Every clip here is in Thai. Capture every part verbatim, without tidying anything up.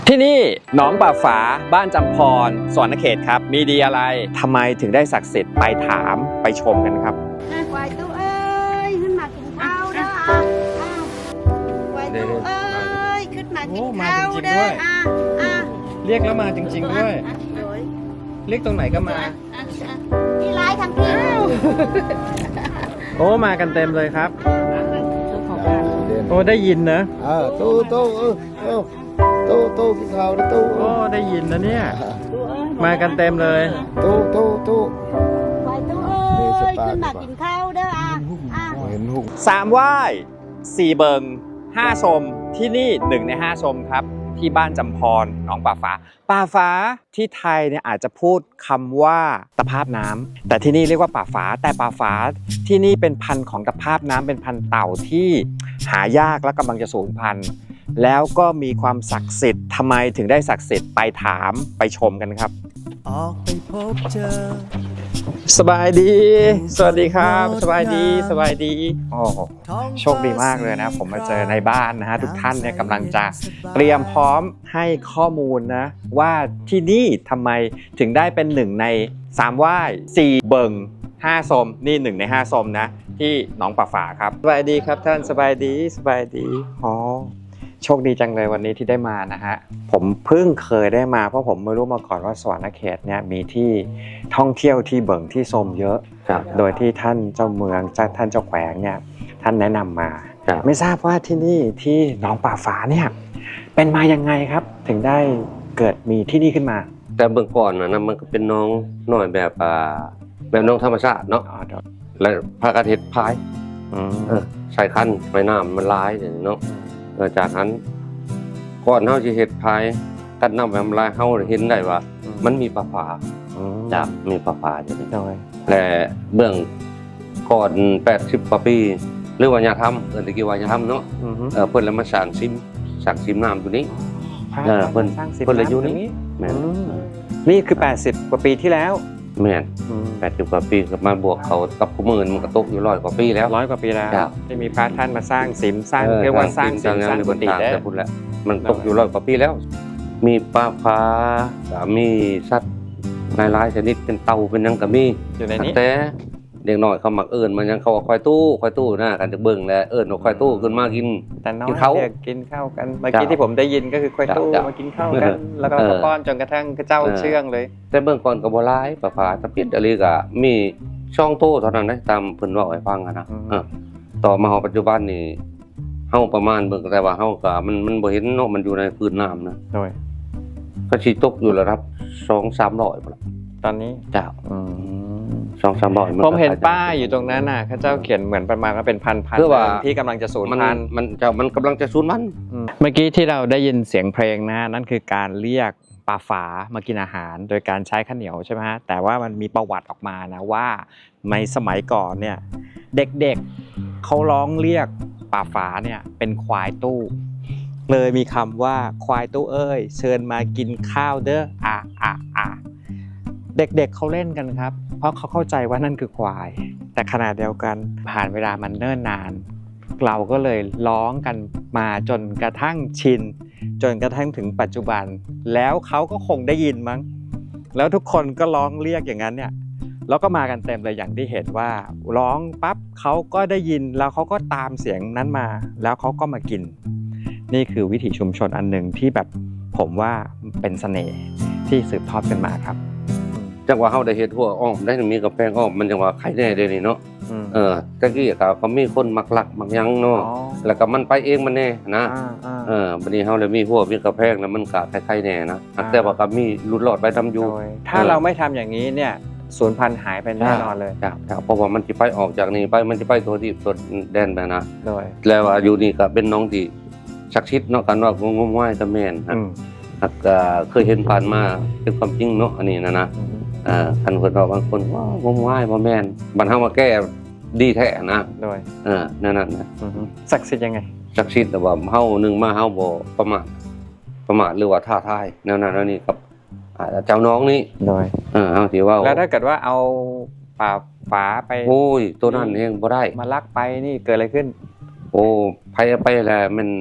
ที่นี่หนองป่าฝาบ้านจำพรสวรรณเขตครับมีดีอะไรทำไมถึงได้ศักดิ์สิทธิ์ไปถามไปชมกันครับควายตู้เอ้ยขึ้นมากินข้าวเด้อควายตู้เอ้ยขึ้นมากินข้าวเด้ออ่ะอ่ะเรียกแล้วมาจริงๆด้วยเรียกตรงไหนก็มาพี่ร้ายทำพี่โอ้มากันเต็มเลยครับโอ้ได้ยินนะเออตู้ตู้เออเออตู้ตู้กินข้าวนะตู้โอ้ได้ยินนะเนี่ยมากันเต็มเลยตู้ตู้ตู้ควายตู้เอ้ยขึ้นมากินข้าวเด้ออ่ะอ่ะเห็นหุ่งสามไหว้สี่เบิงห้าชมที่นี่หนึ่งในห้าชมครับที่บ้านจำพรหนองป่าฝาป่าฝาที่ไทยเนี่ยอาจจะพูดคำว่าตะภาพน้ำแต่ที่นี่เรียกว่าป่าฝาแต่ป่าฝาที่นี่เป็นพันธุ์ของตะภาพน้ำเป็นพันธุ์เต่าที่หายากและกำลังจะสูญพันธุ์แล้วก็มีความศักดิ์สิทธิ์ทำไมถึงได้ศักดิ์สิทธิ์ไปถามไปชมกันครับออกไปพบเจอสบายดีสวัสดีครับสบายดีสบายดีโอ้โชคดีมากเลยนะผมมาเจอในบ้านนะฮะทุกท่านเนี่ยกำลังจะเตรียมพร้อมให้ข้อมูลนะว่าที่นี่ทำไมถึงได้เป็นหนึ่งในสามไหว้สี่เบิงห้าชมนี่หนึ่งในห้าชมนะที่หนองป่าฝาครับสบายดีครับท่านสบายดีสบายดีอ๋อโชคดีจังเลยวันนี้ที่ได้มานะฮะผมเพิ่งเคยได้มาเพราะผมไม่รู้มาก่อนว่าสวรรณเขตเนี่ยมีที่ท่องเที่ยวที่เบิ่งที่ชมเยอะโดยที่ท่านเจ้าเมืองท่านเจ้าแขวงเนี่ยท่านแนะนำมาไม่ทราบว่าที่นี่ที่หนองป่าฝาเนี่ยเป็นมายังไงครับถึงได้เกิดมีที่นี่ขึ้นมาแต่เบื้องก่อนนะมันก็เป็นน้องน้อยแบบอ่าแบบน้องธรรมชาติเนาะและพระกระเทศพายใส่คันไม้น้ำมันลายเนาะจากนั้นก่อนเฮาสิเฮ็ดพายกัดน้ำแวมลายเฮาเห็นได้ว่ามันมีปลาฝาจากมีปลาฝาอยู่นี่และเบื้องก่อนแปดสิบกว่าปีหรือว่าญาธรรมเอิ้นตะกี้ว่าญาธรรมเนาะเออเพิ่นแล้วมาสร้างซิมสร้างซิมน้ำอยู่นี้เออเพิ่นเพิ่นเลยอยู่นี่แม่นนี่คือแปดสิบกว่าปีที่แล้วแม่นแปดสิบกว่าปีก็มาบวกเขากับผู้มื่นมันก็ตกอยู่ร้อยกว่าปีแล้วร้อยกว่าปีแล้วที่มีพระท่านมาสร้างสิมสร้างเรียกว่าสร้างสิมสร้างกุฏิได้พูดแล้วมันตกอยู่ร้อยกว่าปีแล้วมีปลาฟ้ามีสัตว์หลายๆชนิดเป็นเต่าเป็นยังก็มีอยู่ในนี้แต่เด็กน้อยเขามักเอิ้นมันยังเขาควายตู้ควายตู้นะกันจะเบิ่งแล้วเอิ้นว่าควายตู้ขึ้นมากินแต่น้อยเด็กกินข้าวกันเมื่อกี้ที่ผมได้ยินก็คือควายตู้มากินข้าวกันแล้วก็ป้อนจนกระทั่งเจ้าเชื่องเลยแต่เบื้องก่อนก็บ่หลายปลาฟ้าตะปิดอะไรก็มีช่องโตเท่านั้นนะตามเพิ่นเว้าให้ฟังนะต่อมาเฮาปัจจุบันนี่เฮาประมาณเบิ่งแต่ว่าเฮาก็มันมันบ่เห็นเนาะมันอยู่ในพื้นน้ำนะโดยก็สิตกอยู่ระดับ สองถึงสามร้อย พุ่นล่ะตอนนี้จ้าอืม สองถึงสามร้อยผมเห็นป้ายอยู่ตรงนั้นน่ะเขาเจ้าเขียนเหมือนประมาณว่าเป็นพันๆที่กำลังจะสูญพันธุ์มันจะมันกำลังจะสูญพันธุ์เมื่อกี้ที่เราได้ยินเสียงเพลงนะนั่นคือการเรียกปลาฝามากินอาหารโดยการใช้ข้าวเหนียวใช่ไหมฮะแต่ว่ามันมีประวัติออกมานะว่าในสมัยก่อนเนี่ยเด็กๆเขาร้องเรียกปลาฝาเนี่ยเป็นควายตู้เลยมีคำว่าควายตู้เอ้ยเชิญมากินข้าวเด้ออ่ะอ่ะอ่ะเด็กๆ เเขาเล่นกันครับเพราะเขาเข้าใจว่านั่นคือควายแต่ขณะเดียวกันผ่านเวลามันเนิ่นนานเราก็เลยร้องกันมาจนกระทั่งชินจนกระทั่งถึงปัจจุบันแล้วเขาก็คงได้ยินมั้งแล้วทุกคนก็ร้องเรียกอย่างนั้นเนี่ยแล้วก็มากันเต็มเลยอย่างที่เห็นว่าร้องปั๊บเขาก็ได้ยินแล้วเขาก็ตามเสียงนั้นมาแล้วเขาก็มากินนี่คือวิถีชุมชนอันหนึ่งที่แบบผมว่าเป็นเสน่ห์ที่สืบทอดกันมาครับจังว่าเฮาได้เฮ็ดหัวอ้อมได้มีกาแฟอ้อมมันจังว่าใครแน่เด้นี่เนาะเออตะกี้ก็ก็มีคนมักลักมักยังเนาะแล้วก็มันไปเองมันแน่นะเออบัดนี้เฮาเลยมีหัวมีกาแฟแล้วมันก็ใครๆแน่นะแต่ว่าก็มีหลุดรอดไปทำอยู่ถ้าเราไม่ทำอย่างนี้เนี่ยสูญพันธุ์หายไปแน่นอนเลยครับเพราะว่ามันสิไปออกจากนี่ไปมันสิไปตัวที่ตัวแดนไปนะแล้วว่าอยู่นี่ก็เป็นน้องที่ศักดิ์สิทธิ์เนาะกันว่างมงายตะแม่นครับก็เคยเห็นผ่านมาเป็นความจริงเนาะอันนี้นะนะอ่าคันเพิ่นว่าบางคนว่างมงายบ่แม่นบัดเฮามาแก้ดีแท้นะโดยเออนั่นน่ะนะศักดิ์สิทธิ์ยังไงศักดิ์สิทธิ์แต่ว่าเฮานึงมาเฮาบ่ประมาทประมาทหรือว่าท้าทายแนวนั้นแล้วนี่กับเจ้าน้องนี่โดยเออเฮาสิว่าแล้วถ้าเกิดว่าเอาป่าฝาไปโอ้ยตัวนั้นเองบ่ได้มาลักไปนี่เกิดอะไรขึ้นโอ้ไผไปแล้วมัน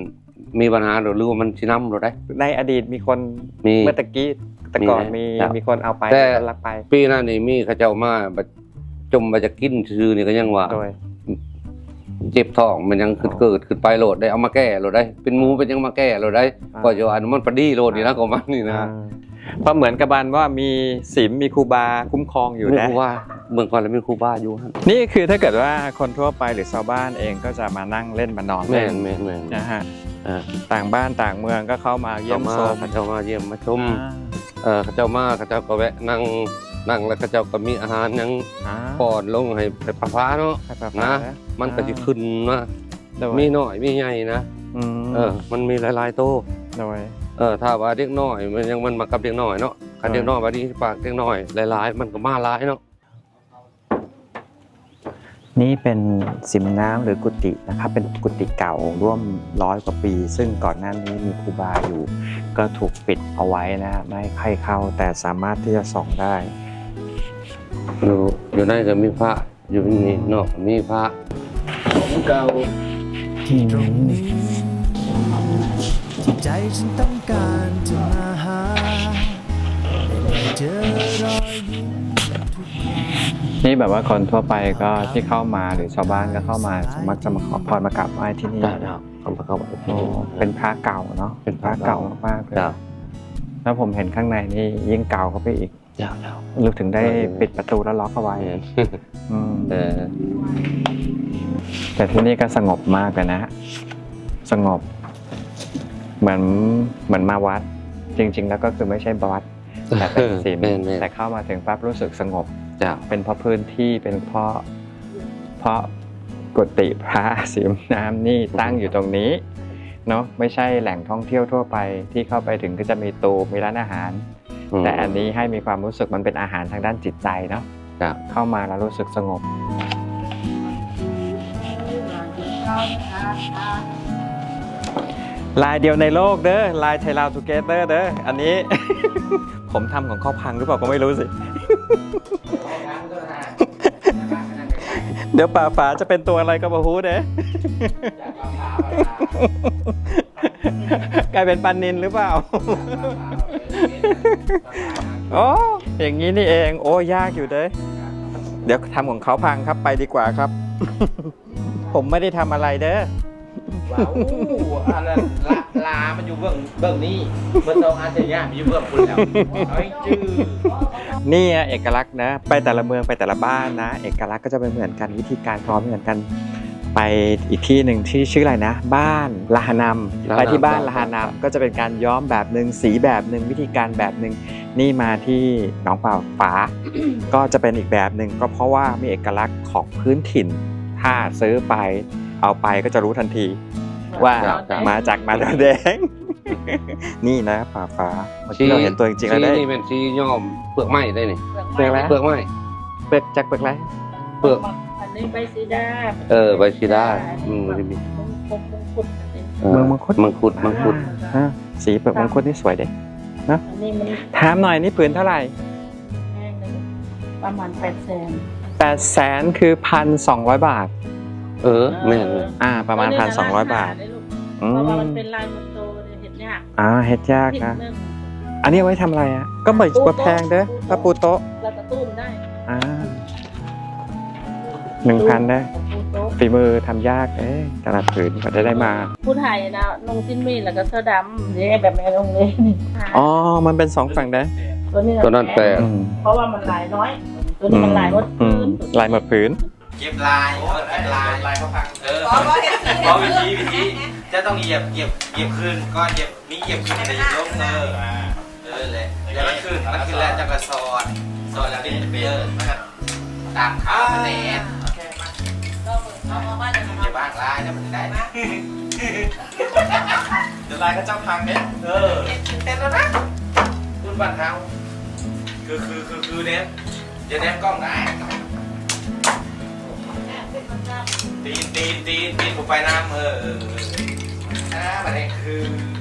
มีปัญหาหรือว่ามันชิน้ำหรือได้ในอดีตมีคนมีเมื่อตะกี้แต่ก่อนมีครับมีคนเอาไปแต่ลักไปปีหน้านี่มีเขาเจ้ามาบัดจมมาจะกินซื่อๆนี่ก็ยังว่าโดยเจ็บท้องมันยังขึ้นเกิดขึ้นไปโหลดได้เอามาแก้โหลดได้ เป็นหมูเป็นยังมาแก้โหลดได้อ่าก็จะว่าอันมันปดีโหลดนี่นะก็มันนี่นะอ่าเพราะเหมือนกับบันว่ามีศีลมีครูบาคุ้มครองอยู่ไม่นะรู้ว่าเมืองก่อนแล้วมีครูบาอยู่ฮะนี่คือถ้าเกิดว่าคนทั่วไปหรือชาวบ้านเองก็จะมานั่งเล่นมานอนแม่เล่นนแม่นแม่นนะฮะอ่าต่างบ้านต่างเมืองก็เข้ามาเยี่ยมเขามาชมเขาเจ้ามาเยี่ยมมาชมอ่าเออเขาเจ้ามาเขาเจ้าก็แวะนั่งนั่งแล้วเขาเจ้าก็มีอาหารยังอ่าป้อนลงให้ไปปลาฟ้าเนาะให้ปลานะฟ้ามันก็จะขึ้นนะโดยมีน้อยมีใหญ่นะอืมเออมันมีหลายๆโตโดยเออถ้าว่าเด็กน้อยมันยังมันมากับเด็กน้อยเนาะคันเด็กน้อยว่าดีปากเด็กน้อยหลายๆมันก็มาหลายเนาะนี่เป็นสิมน้ำหรือกุฏินะครับเป็นกุฏิเก่าร่วมร้อยกว่าปี ซึ่งก่อนหน้านี้มีครูบาอยู่ ก็ถูกปิดเอาไว้นะฮะไม่ให้ใครเข้าแต่สามารถที่จะส่องได้อยู่อยู่ในก็มีพระอยู่นี่นอกมีพระของเก่าที่ตรงนี้ที่ใจฉันต้องการจะมาหาได้เจอรอยยิ้มทุกอย่างนี่แบบว่าคนทั่วไปก็ที่เข้ามาหรือชาวบ้านก็เข้ามามักจะมาขอพรมากราบไหว้ที่นี่ได้แล้วเอามาเข้าไปโอ้เป็นพระเก่าเนาะเป็นพระเก่ามากๆเลยจ้าแล้วผมเห็นข้างในนี่ยิ่งเก่าเข้าไปอีกจ้าแล้วลูกถึงได้ปิดประตูแล้วล็อกเอาไว้อืมเออแต่ที่นี่ก็สงบมากเลยนะ สงบ เหมือนเหมือนมาวัด จริง ๆ แล้วก็คือไม่ใช่วัดแต่เป็นศีลแม่นแม่นแต่เข้ามาถึงปั๊บรู้สึกสงบจ้าเป็นเพราะพื้นที่เป็นเพราะเพราะกุฏิพระสีน้ำนี่ตั้งอยู่ตรงนี้เนาะไม่ใช่แหล่งท่องเที่ยวทั่วไปที่เข้าไปถึงก็จะมีตูมีร้านอาหาร แต่อันนี้ให้มีความรู้สึกมันเป็นอาหารทางด้านจิตใจเนาะจ้าเข้ามาแล้วรู้สึกสงบลายเดียวในโลกเด้อลายไทยลาวทูเกเตอร์เด้ออันนี้ ผมทำของเขาพังหรือเปล่าก็ไม่รู้สิ เดี๋ยวป่าฝาจะเป็นตัวอะไรก็มาฮู้เด้ กลายเป็นปันนินหรือเปล่า โอ้อย่างนี้นี่เองโอ้ยากอยู่เด้เดี๋ยวทำของเขาพังครับไปดีกว่าครับ ผมไม่ได้ทำอะไรเด้อว้าวอันนั้นลาลามันอยู่เบื้องเบื้องนี้เบื้องตรงอาเซียนมันอยู่เบื้องคุณแล้วเอาให้จื้อนี่อะเอกลักษณ์นะ ไปแต่ละเมืองไปแต่ละบ้านนะ เอกลักษณ์ก็จะไม่เหมือนกันวิธีการพร้อมเหมือนกัน ไปอีกที่หนึ่งที่ชื่ออะไรนะ บ้านลาหานำไปที่บ้านลาหานำก็จะเป็นการย้อมแบบหนึ่งสีแบบหนึ่งวิธีการแบบหนึ่งนี่มาที่หนองป่าฟ้า ก็จะเป็นอีกแบบหนึ่งก็เพราะว่ามีเอกลักษณ์ของพื้นถิ่น ถ้าซื้อไปเอาไปก็จะรู้ทันที ว่ามาจากมาดามแดง นี่นะป่าฟ้าเมื่อกี้เราเห็นตัวจริงๆแล้วได้นี่เป็นสีย้อมเปลือกไม้ได้นี่เปลือกอะไรเปลือกไม้เปลือกจากเปลือกอะไรเปลือกอันนี้ใบซีดาเออใบชีด้าอืมมันจะมีมงคลมงคุดอันนี้เออเมืองมังคุดมังคุดมังคุดอ่าสีเปลือกมังคุดนี่สวยเด็อันนี้มันถามหน่อยนี่ผืนเท่าไหร่แห้งหนึ่งประมาณแปดแสนแปดแสนคือพันสองร้อยบาทเออแม่นเลยอ่า ประมาณพันสองร้อยบาทเพราะว่ามันเป็นลายมันโตเนี่ยเห็นยากอ่าเฮ็ดยากนะผิดหงอันนี้เอาไว้ทำอะไรอ่ะ ก็เหมือนกว่าแพงเด้อถ้าปูโต๊ะแล้วก็ตุ้มได้อ่าหนึ่งพันได้ปูโต๊ะฝีมือทำยากเอ้ยแต่ละผืนกว่าจะได้มาผู้ไทยนะนงสิ้นมีดแล้วก็เสื้อดำเนี่ยแบบแม่นงเลยนี่อ๋อ มันเป็นสองฝั่งได้ตัวนี้ตัวนั้นแปดอืมเพราะว่ามันลายน้อย ตัวนี้มันลายหมดอืพื้มนลายหมดผืนเก็บลายเก็บลายลายเขาพังเออเพราะวิธีวิธีจะต้องเหยียบเหยียบเหยียบคืนก็เหยียบมีเหยียบคืนแต่ลงเออเออเลยแล้วมันขึ้นมันขึ้นแล้วจะกระสอนสอนแล้วเป็นเบลนะครับตามขามันแน่นอย่าบ้างลายนะมันได้นะเดี๋ยวลายเขาเจ้าพังเนี่ยเออเต็มแล้วนะรุ่นบ้านเขาคือคือคือคือเนี้ยจะแนบกล้องได้ตีนตีนตีนตีนผมไปน้ำเออเอออ่าประเด็นคือ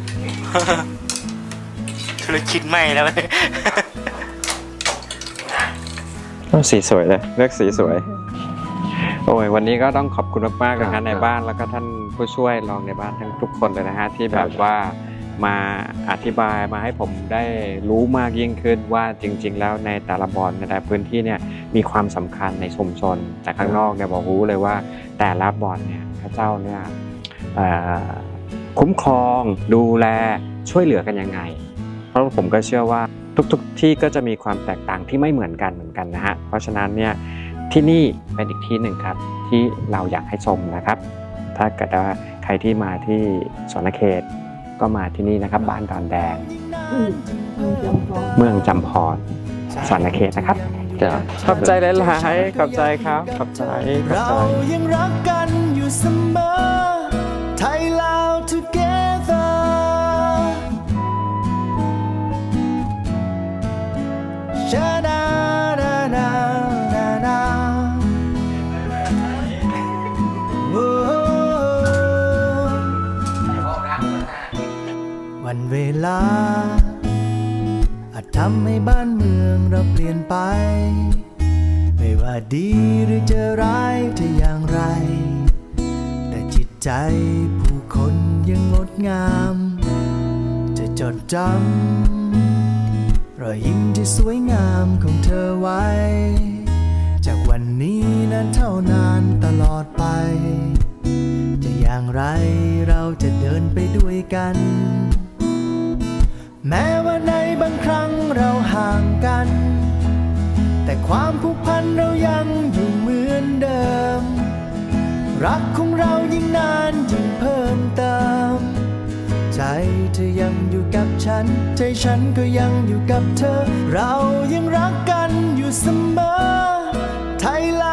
ธุรกิจใหม่แล้วสีสวยเลยเลือกสีสวยโอ้ยวันนี้ก็ต้องขอบคุณมากๆนะครัฮะบในบ้านแล้วก็ท่านผู้ช่วยรองในบ้านทั้งทุกคนเลยนะฮะที่แบบว่ามาอธิบายมาให้ผมได้รู้มากยิ่งขึ้นว่าจริง ๆ แล้วในแต่ละบ่อนในแต่ละพื้นที่เนี่ยมีความสำคัญในชุมชนจากข้างนอกเนี่ยบอกรู้เลยว่าแต่ละบ่อนเนี่ยพระเจ้าเนี่ยเอ่อคุ้มครองดูแลช่วยเหลือกันยังไง เพราะผมก็เชื่อว่าทุกๆที่ก็จะมีความแตกต่างที่ไม่เหมือนกันเหมือนกันนะฮะเพราะฉะนั้นเนี่ยที่นี่เป็นอีกที่หนึ่งครับที่เราอยากให้ชมนะครับ ถ้าเกิดว่าใครที่มาที่สวนเขตก็มาที่นี่นะครับบ้านดอนแดง เมืองจำพรสวนเขตนะครับจ้ะขอบใจหลายๆขอบใจครับขอบใจขอบเราใจยังรักกันอยู่เสมอ ไทยลาว together ชาดาดาดาดาดาโอ้วันเวลาอาจทำให้บ้านเมืองเราเปลี่ยนไป ไม่ว่าดีหรือจะร้ายจะอย่างไร แต่จิตใจผู้คนยังงดงาม จะจดจำรอยยิ้มที่สวยงามของเธอไว้ จากวันนี้นั้นเท่านานตลอดไป จะอย่างไรเราจะเดินไปด้วยกัน แม้ว่าในบางครั้งเราห่างกัน แต่ความผูกพันเรายังอยู่เหมือนเดิม รักของเรายิ่งนานยิ่งเพิ่มเติม ใจเธอยังอยู่กับฉัน ใจฉันก็ยังอยู่กับเธอ เรายังรักกันอยู่เสมอ ไทยล